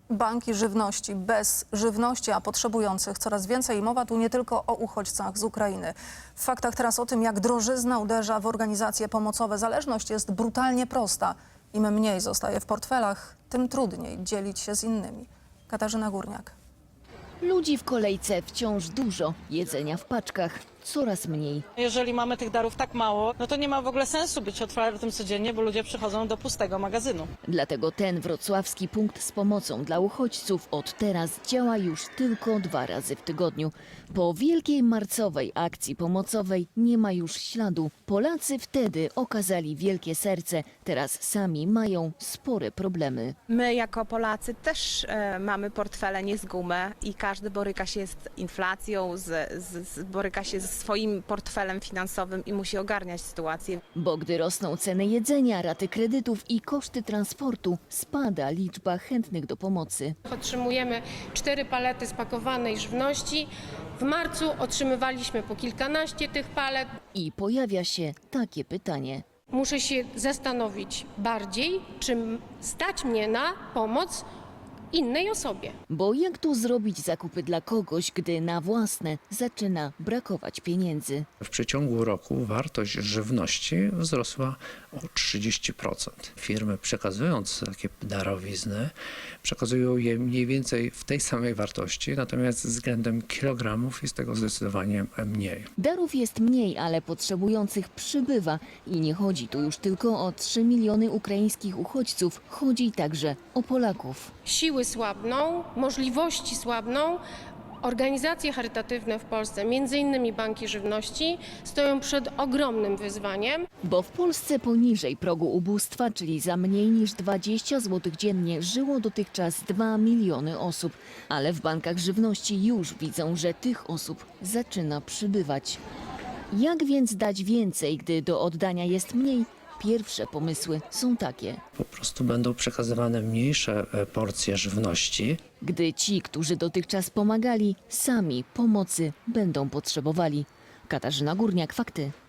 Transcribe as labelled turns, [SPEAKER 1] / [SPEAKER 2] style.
[SPEAKER 1] Banki żywności bez żywności, a potrzebujących coraz więcej. Mowa tu nie tylko o uchodźcach z Ukrainy. W faktach teraz o tym, jak drożyzna uderza w organizacje pomocowe. Zależność jest brutalnie prosta. Im mniej zostaje w portfelach, tym trudniej dzielić się z innymi. Katarzyna Górniak.
[SPEAKER 2] Ludzi w kolejce wciąż dużo, jedzenia w paczkach coraz mniej.
[SPEAKER 3] Jeżeli mamy tych darów tak mało, no to nie ma w ogóle sensu być otwartym codziennie, bo ludzie przychodzą do pustego magazynu.
[SPEAKER 2] Dlatego ten wrocławski punkt z pomocą dla uchodźców od teraz działa już tylko 2 razy w tygodniu. Po wielkiej marcowej akcji pomocowej nie ma już śladu. Polacy wtedy okazali wielkie serce, teraz sami mają spore problemy.
[SPEAKER 4] My jako Polacy też mamy portfele nie z gumy i każdy boryka się z inflacją, boryka się ze swoim portfelem finansowym i musi ogarniać sytuację.
[SPEAKER 2] Bo gdy rosną ceny jedzenia, raty kredytów i koszty transportu, spada liczba chętnych do pomocy.
[SPEAKER 5] Otrzymujemy 4 palety spakowanej żywności. W marcu otrzymywaliśmy po kilkanaście tych palet.
[SPEAKER 2] I pojawia się takie pytanie.
[SPEAKER 5] Muszę się zastanowić bardziej, czy stać mnie na pomoc innej osobie.
[SPEAKER 2] Bo jak tu zrobić zakupy dla kogoś, gdy na własne zaczyna brakować pieniędzy?
[SPEAKER 6] W przeciągu roku wartość żywności wzrosła o 30%. Firmy przekazując takie darowizny, przekazują je mniej więcej w tej samej wartości, natomiast względem kilogramów jest tego zdecydowanie mniej.
[SPEAKER 2] Darów jest mniej, ale potrzebujących przybywa i nie chodzi tu już tylko o 3 miliony ukraińskich uchodźców, chodzi także o Polaków.
[SPEAKER 5] Siły słabną, możliwości słabną. Organizacje charytatywne w Polsce, m.in. banki żywności, stoją przed ogromnym wyzwaniem.
[SPEAKER 2] Bo w Polsce poniżej progu ubóstwa, czyli za mniej niż 20 zł dziennie, żyło dotychczas 2 miliony osób. Ale w bankach żywności już widzą, że tych osób zaczyna przybywać. Jak więc dać więcej, gdy do oddania jest mniej? Pierwsze pomysły są takie.
[SPEAKER 6] Po prostu będą przekazywane mniejsze porcje żywności.
[SPEAKER 2] Gdy ci, którzy dotychczas pomagali, sami pomocy będą potrzebowali. Katarzyna Górniak, fakty.